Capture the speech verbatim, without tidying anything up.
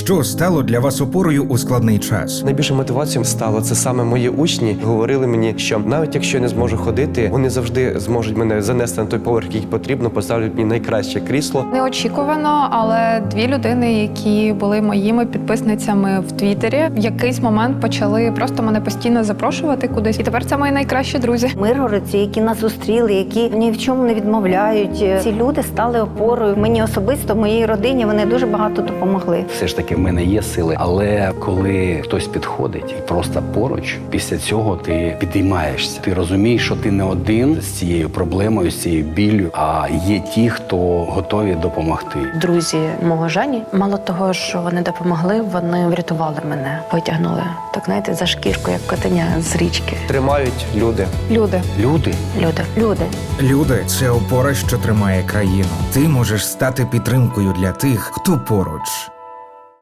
Що стало для вас опорою у складний час? Найбільше мотивацією стало це саме мої учні. Говорили мені, що навіть якщо я не зможу ходити, вони завжди зможуть мене занести на той поверх, який потрібно, поставлять мені найкраще крісло. Неочікувано, але дві людини, які були моїми підписницями в Твіттері, в якийсь момент почали просто мене постійно запрошувати кудись. І тепер це мої найкращі друзі. Миргородці, які нас зустріли, які ні в чому не відмовляють. Ці люди стали опорою. Мені особисто, моїй родині, вони дуже багато допомогли. Все ж таки в мене є сили, але коли хтось підходить і просто поруч, після цього ти підіймаєшся. Ти розумієш, що ти не один з цією проблемою, з цією біллю, а є ті, хто готові допомогти. Друзі мого Жені, мало того, що вони допомогли, вони врятували мене, витягнули, так знаєте, за шкірку, як котеня з річки. Тримають люди. Люди. Люди. Люди. Люди. Люди – це опора, що тримає країну. Ти можеш стати підтримкою для тих, хто поруч.